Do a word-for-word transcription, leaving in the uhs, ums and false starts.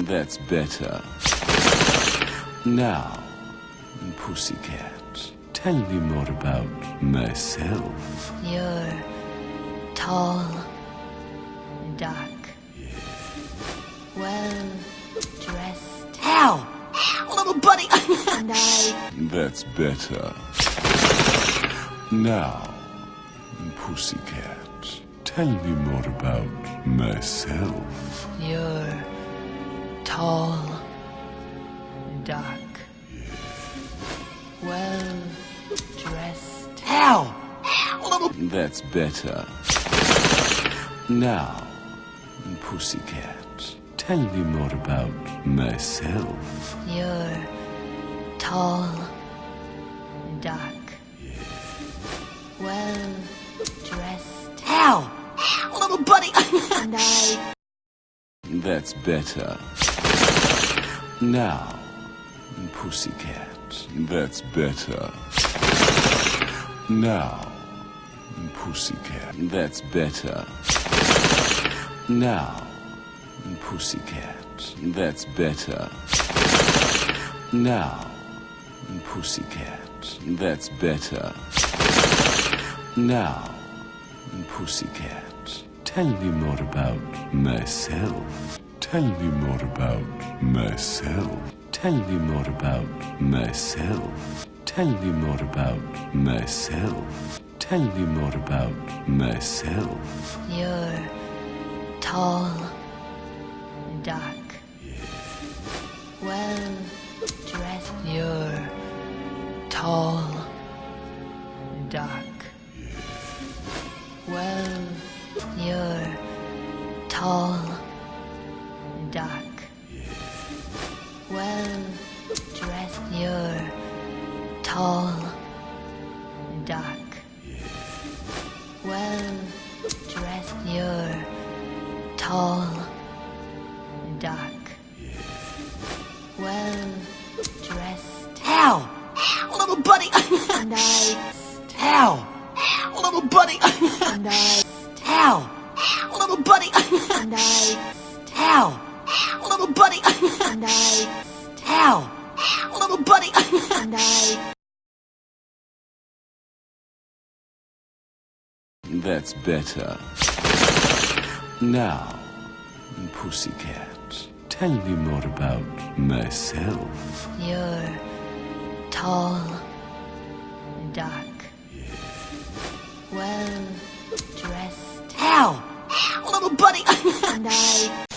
That's better. Now, Pussycat, tell me more about myself. You're tall, dark, well dressed. Ow! Ow, little buddy! And I... That's better. Now, Pussycat, tell me more about myself. You're tall, dark, well dressed. Ow! Ow, little... That's better. Now, Pussycat, tell me more about myself. You're tall, dark, well dressed. Ow! Ow, little buddy! And I... That's better. Now, Pussycat, that's better. Now, Pussycat, that's better. Now, Pussycat, that's better. Now, Pussycat, that's better. Now, Pussycat, tell me more about myself. Tell me more about myself. Tell me more about myself. Tell me more about myself. Tell me more about myself. You're tall, dark, well dressed. You're tall, dark, well. You're tall, dark, well dressed. You're tall, dark, well dressed. You're tall, dark, well dressed. Ow! Ow, little buddy! And I... Ow! Ow, little buddy! And I... Ow! Ow, little buddy! And I... Ow! Ow, little buddy! And I... Ow! Ow, little buddy! And I... That's better. Now, Pussycat, tell me more about myself. You're tall, dark, well dressed. Ow! Ow, little buddy! And I...